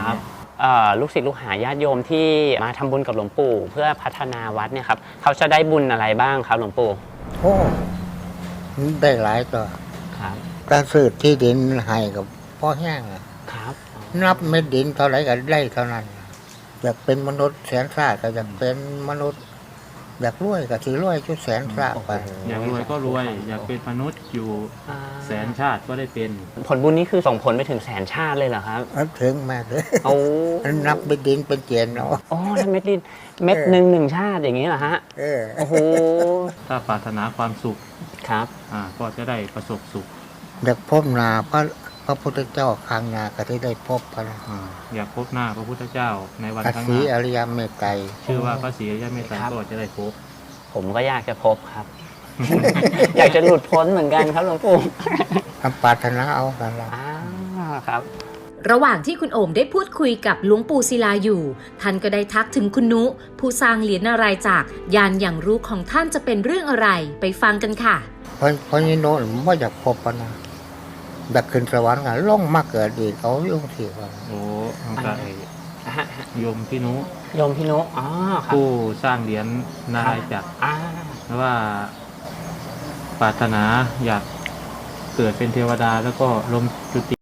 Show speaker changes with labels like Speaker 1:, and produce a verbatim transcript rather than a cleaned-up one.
Speaker 1: ครับเอ่อลูกศิษย์ลูกหาญาติโยมที่มาทำบุญกับหลวงปู่เพื่อพัฒนาวัดเนี่ยครับเขาจะได้บุญอะไรบ้างครับหลวงปู่
Speaker 2: โอ้ได้หลายตัว
Speaker 1: ครับ
Speaker 2: การซื้อที่ดินให้กับพ่อแห้ง
Speaker 1: ครับ
Speaker 2: นับเม็ดดินเท่าไหร่ก็ได้เท่านั้นอยากเป็นมนุษย์แสนซ่าก็อยากเป็นมนุษย์อยากรวยก็ถือรวยชุดแสนซ่าไป
Speaker 3: อยากรวยก็รวยอยากเป็นมนุษย์อยู่แสนชาติก็ได้เป็น
Speaker 1: ผลบุญนี้คือส่งผลไปถึงแสนชาติเลยเหรอครับ
Speaker 2: ถึงแม่เลย
Speaker 1: โอ้
Speaker 2: นับเม็ดดินเป็นเจนเนาะ
Speaker 1: อ๋อนับเม็ดดินเม็ดหนึ่งหนึ่งชาติอย่างนี้เหรอฮะ
Speaker 2: เออ
Speaker 1: โอ้โห
Speaker 3: ถ้าปรารถนาความสุข
Speaker 1: ครับ
Speaker 3: อ่าก็จะได้ประสบสุข
Speaker 2: อยากพบนาพระพระพุทธเจ้าคางนาก็ได้พบพระ
Speaker 3: อยากพบหน้าพระพุทธเจ้าในวันข้างหน้า
Speaker 2: พระศรีอริยเมตไตร
Speaker 3: ชื่อว่าพระศรีอริยเมตไตรก็จะได้พบ
Speaker 1: ผมก็อยากจะพบครับ อยากจะหลุดพ้นเหมือนกันครับหลวงปู่
Speaker 2: ทำปรารถนาเอากันละ
Speaker 1: อ่าครับ
Speaker 4: ระหว่างที่คุณโอมได้พูดคุยกับหลวงปู่ศิลาอยู่ท่านก็ได้ทักถึงคุณนุผู้สร้างเหรียญนารายณ์จากยานอย่างรู้ของท่านจะเป็นเรื่องอะไรไปฟังกันค่ะ
Speaker 2: เพราะเพราะนี่โน้ตไม่อยากพบปะนะอยากขึ้นสวรรค์กันล่องมาเกิดอีกเขายุ่งสิวัน
Speaker 3: โอ้ตั้งแต่โยมพี่นุ
Speaker 1: โยมพี่นุอ๋อ
Speaker 3: ผู้สร้างเหรียญนารายณ์จากเพราะว่าปรารถนาอยากเกิดเป็นเทวดาแล้วก็ลมจุติ